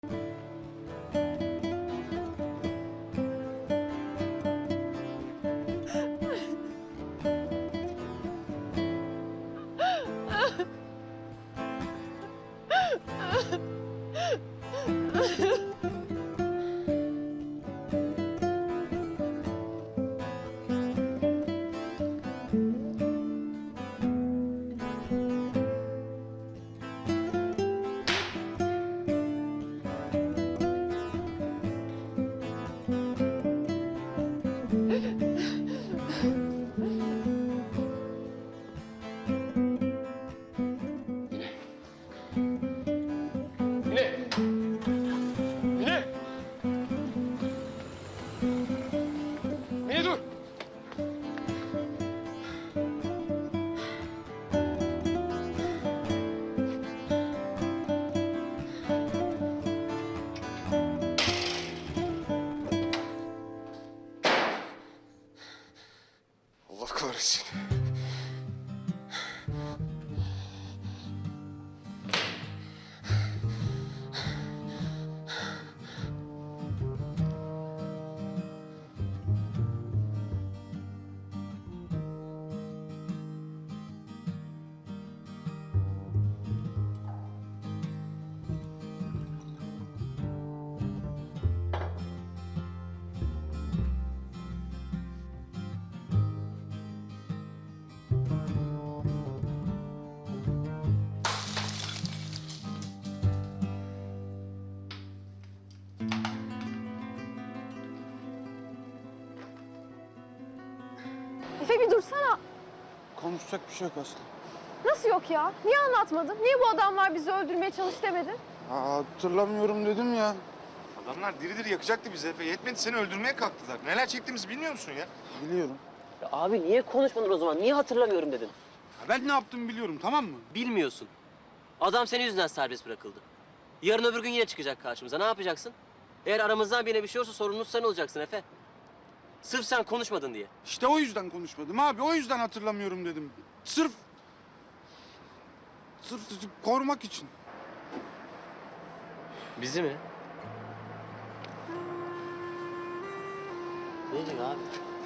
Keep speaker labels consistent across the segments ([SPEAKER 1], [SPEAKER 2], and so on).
[SPEAKER 1] Allah kahretsin.
[SPEAKER 2] Efe bir dursana.
[SPEAKER 1] Konuşacak bir şey yok Aslı.
[SPEAKER 2] Nasıl yok ya? Niye anlatmadın? Niye bu adamlar bizi öldürmeye çalış demedin?
[SPEAKER 1] Hatırlamıyorum dedim ya.
[SPEAKER 3] Adamlar diri diri yakacaktı bizi Efe. Yetmedi seni öldürmeye kalktılar. Neler çektiğimizi bilmiyor musun ya?
[SPEAKER 1] Biliyorum.
[SPEAKER 4] Ya abi niye konuşmadın o zaman? Niye hatırlamıyorum dedin?
[SPEAKER 1] Ben ne yaptığımı biliyorum, tamam mı?
[SPEAKER 4] Bilmiyorsun. Adam senin yüzünden serbest bırakıldı. Yarın öbür gün yine çıkacak karşımıza. Ne yapacaksın? Eğer aramızdan birine bir şey olursa sorumlusu sen olacaksın Efe. Sırf sen konuşmadın diye.
[SPEAKER 1] İşte o yüzden konuşmadım abi. O yüzden hatırlamıyorum dedim. Sırf korumak için.
[SPEAKER 4] Bizi mi? Ne diyecek abi?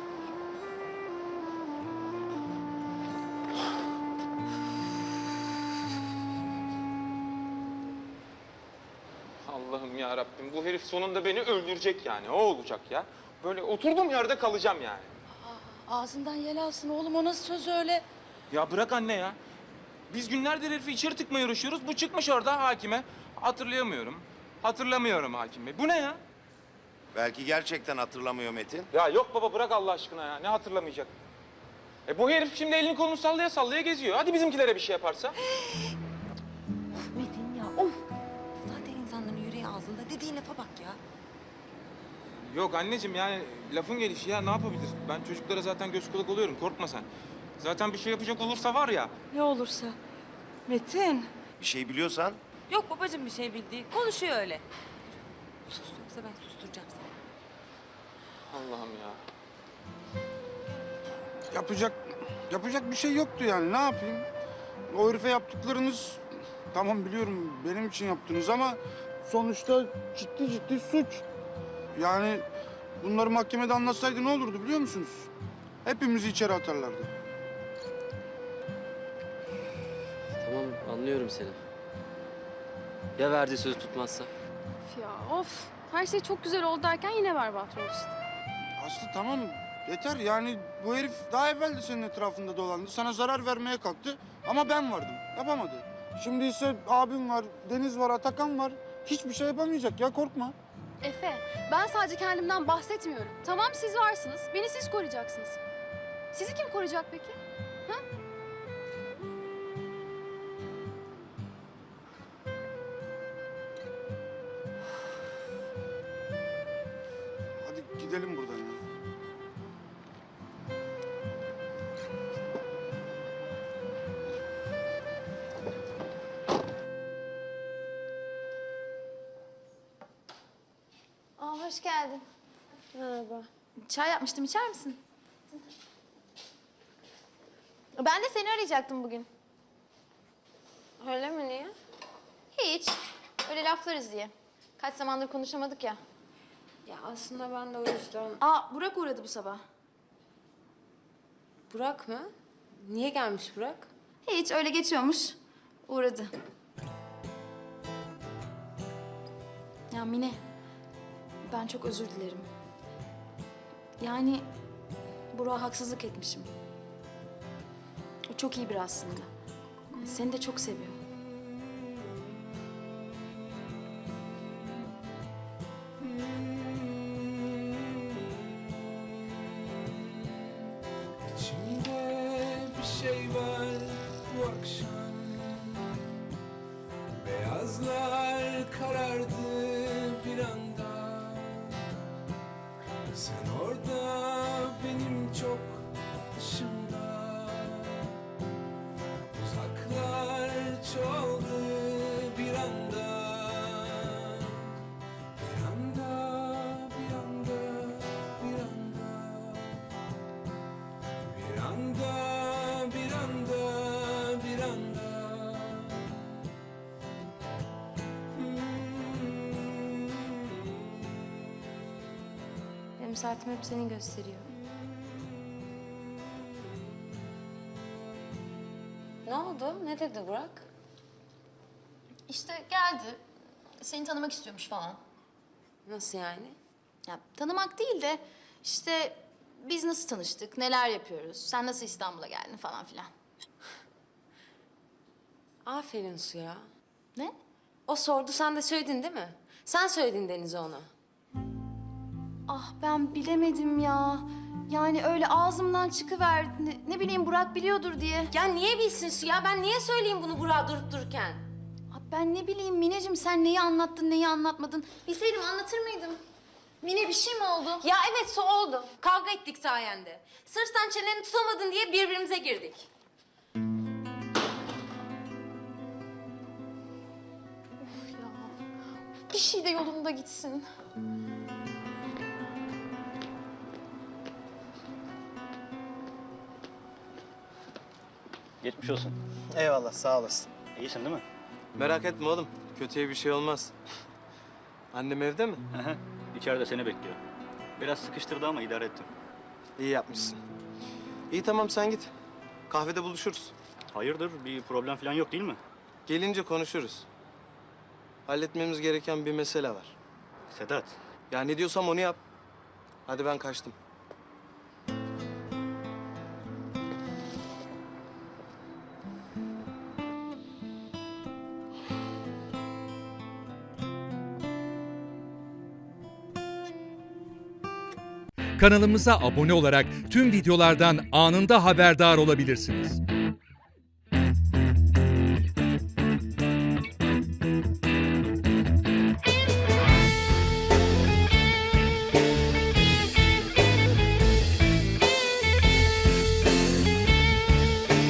[SPEAKER 5] Allah'ım ya Rabbim, bu herif sonunda beni öldürecek yani. O olacak ya. Böyle oturduğum yerde kalacağım yani.
[SPEAKER 6] Ağzından yel alsın oğlum, o nasıl söz öyle?
[SPEAKER 5] Ya bırak anne ya. Biz günlerdir herifi içeri tıkmaya uğraşıyoruz. Bu çıkmış orada hakime. Hatırlayamıyorum. Hatırlamıyorum hakim bey. Bu ne ya?
[SPEAKER 3] Belki gerçekten hatırlamıyor Metin.
[SPEAKER 5] Ya yok baba, bırak Allah aşkına ya. Ne hatırlamayacak? Bu herif şimdi elini kolunu sallaya sallaya geziyor. Hadi bizimkilere bir şey yaparsa.
[SPEAKER 6] Of Metin ya, of! Zaten insanların yüreği ağzında, dediğin lafa bak ya.
[SPEAKER 5] Yok anneciğim, yani lafın gelişi ya, ne yapabiliriz? Ben çocuklara zaten göz kulak oluyorum, korkma sen. Zaten bir şey yapacak olursa var ya.
[SPEAKER 6] Ne olursa. Metin!
[SPEAKER 3] Bir şey biliyorsan
[SPEAKER 6] Yok babacığım bir şey bildiği, konuşuyor öyle. Sus, yoksa ben susturacağım seni.
[SPEAKER 5] Allah'ım ya.
[SPEAKER 1] Yapacak bir şey yoktu yani. Ne yapayım? O herife yaptıklarınız, tamam biliyorum benim için yaptınız ama sonuçta ciddi suç. Yani bunları mahkemede anlatsaydı ne olurdu biliyor musunuz? Hepimizi içeri atarlardı.
[SPEAKER 4] Tamam, anlıyorum seni. Ya verdiği sözü tutmazsa?
[SPEAKER 2] Of ya of. Her şey çok güzel oldu derken yine berbat oldu işte.
[SPEAKER 1] Aslı tamam yeter yani bu herif daha evvel de senin etrafında dolandı. Sana zarar vermeye kalktı ama ben vardım. Yapamadı. Şimdi ise abim var, Deniz var, Atakan var. Hiçbir şey yapamayacak ya, korkma.
[SPEAKER 2] Efe, ben sadece kendimden bahsetmiyorum. Tamam siz varsınız, beni siz koruyacaksınız. Sizi kim koruyacak peki? Ha?
[SPEAKER 1] Hadi gidelim buradan ya.
[SPEAKER 7] Hoş geldin.
[SPEAKER 2] Merhaba.
[SPEAKER 7] Çay yapmıştım, içer misin? Ben de seni arayacaktım bugün.
[SPEAKER 2] Öyle mi, niye?
[SPEAKER 7] Hiç. Öyle laflarız diye. Kaç zamandır konuşamadık ya.
[SPEAKER 6] Ya aslında ben de o yüzden...
[SPEAKER 2] Aa, Burak uğradı bu sabah.
[SPEAKER 6] Burak mı? Niye gelmiş Burak?
[SPEAKER 2] Hiç, öyle geçiyormuş. Uğradı. Ya Mine, ben çok özür dilerim. Yani Burak'a haksızlık etmişim. O çok iyi biri aslında. Seni de çok seviyor.
[SPEAKER 8] İçimde bir şey var bu akşam. Beyazlar karardı bir anda. Sen orada, benim çok dışımda. Uzaklar çoğaldı bir anda. Bir anda, bir anda, bir anda. Bir anda, bir anda, bir anda.
[SPEAKER 6] Benim saatim hep seni gösteriyor. Ne oldu? Ne dedi Burak?
[SPEAKER 2] İşte geldi. Seni tanımak istiyormuş falan.
[SPEAKER 6] Nasıl yani?
[SPEAKER 2] Ya tanımak değil de işte biz nasıl tanıştık, neler yapıyoruz, sen nasıl İstanbul'a geldin falan filan.
[SPEAKER 6] Aferin Suya.
[SPEAKER 2] Ne?
[SPEAKER 6] O sordu, sen de söyledin değil mi? Sen söyledin Deniz'e ona.
[SPEAKER 2] Ah ben bilemedim ya. Yani öyle ağzımdan çıkıverdi. Ne bileyim Burak biliyordur diye.
[SPEAKER 6] Ya niye bilsin Suya? Ben niye söyleyeyim bunu Burak'a durup dururken?
[SPEAKER 2] Ah, ben ne bileyim Mineciğim sen neyi anlattın, neyi anlatmadın. Bilseydim anlatır mıydım? Mine bir şey mi oldu?
[SPEAKER 6] Ya evet su oldu. Kavga ettik sayende. Sırf sen çeneni tutamadın diye birbirimize girdik.
[SPEAKER 2] Ya, bir şey de yolunda gitsin.
[SPEAKER 9] Geçmiş olsun.
[SPEAKER 10] Eyvallah, sağ olasın.
[SPEAKER 9] İyisin değil mi?
[SPEAKER 10] Merak etme oğlum, kötüye bir şey olmaz. Annem evde mi?
[SPEAKER 9] Hı hı. İçeride seni bekliyor. Biraz sıkıştırdı ama idare ettim.
[SPEAKER 10] İyi yapmışsın. İyi tamam sen git. Kahvede buluşuruz.
[SPEAKER 9] Hayırdır? Bir problem falan yok değil mi?
[SPEAKER 10] Gelince konuşuruz. Halletmemiz gereken bir mesele var.
[SPEAKER 9] Sedat,
[SPEAKER 10] Ya ne diyorsam onu yap. Hadi ben kaçtım.
[SPEAKER 11] Kanalımıza abone olarak tüm videolardan anında haberdar olabilirsiniz.